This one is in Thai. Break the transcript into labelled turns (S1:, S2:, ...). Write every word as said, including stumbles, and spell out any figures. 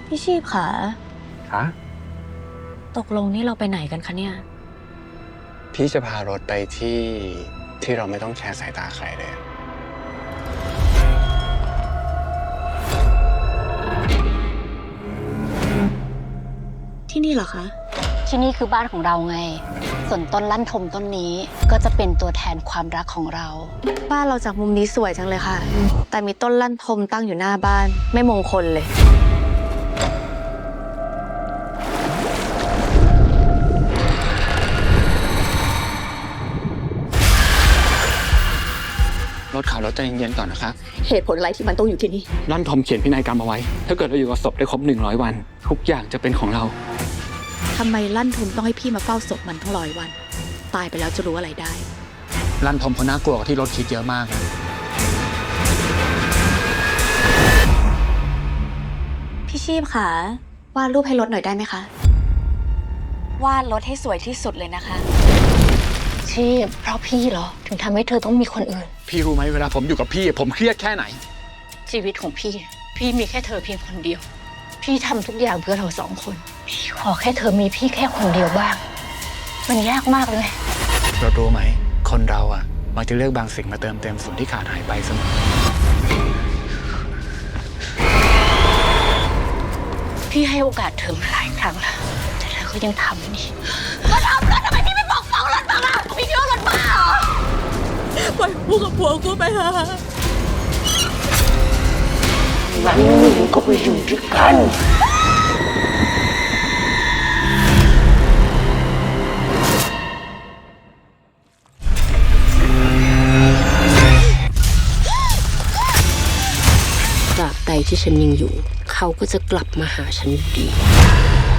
S1: พี่ชีพค่ะ
S2: คะ
S1: ตกลงนี่เราไปไหนกันคะเนี่ย
S2: พี่จะพารถไปที่ที่เราไม่ต้องแชร์สายตาใครเลย
S1: ที่นี่เหรอคะ
S3: ที่นี่คือบ้านของเราไง ส่วนต้นลั่นทมต้นนี้ก็จะเป็นตัวแทนความรักของเรา
S1: บ้านเราจากมุมนี้สวยจังเลยค่ะ แต่มีต้นลั่นทมตั้งอยู่หน้าบ้านไม่มงคลเลย
S4: รถขับรถใจเย็นๆก่อนนะครับ
S1: เหตุผลอะไรที่มันต้องอยู่ที่นี่
S4: ลั่นทอมเขียนพินัยกรรมเอาไว้ ถ้าเกิดเราอยู่กับศพได้ครบหนึ่งร้อยวัน ทุกอย่างจะเป็นของเรา
S1: ทำไมลั่นทมต้องให้พี่มาเฝ้าศพมันทั้งร้อยวัน ตายไปแล้วจะรู้อะไรได้
S4: ลั่นทอมเขาน่ากลัวกว่าที่รถคิดเยอะมาก
S1: พี่ชีพค่ะวาดรูปให้รถหน่อยได้ไหมคะวาดรถให้สวยที่สุดเลยนะคะ
S3: ชีพเพราะพี่เหรอ ถึงทำให้เธอต้องมีคนอื่น
S4: พี่รู้ไหมเวลาผมอยู่กับพี่ ผมเครียดแค่ไหน
S3: ชีวิตของพี่ พี่มีแค่เธอเพียงคนเดียว พี่ทำทุกอย่างเพื่อเราสองคน พี่ขอแค่เธอมีพี่แค่คนเดียวบ้าง มันยากมากเลย
S4: เรารู้ไหม คนเราอะมักจะเลือกบางสิ่งมาเติมเต็มส่วนที่ขาดหายไปเสมอ
S3: พี่ให้โอกาสเธอมาหลายครั้งแล้วแต่เธอก็ยังทำนี่มาทำแล้วทำไมพี่ไม่บอกฟังรถบ้างล่ะพี่คิดว่ารถบ้าเหรอ
S1: ปล่อยกูกับผัวกูไปเถอะ
S3: วันหนึ่งก็ไปอยู่ด้วยกันตราบใดที่ฉันยังอยู่เขาก็จะกลับมาหาฉันอยู่ดี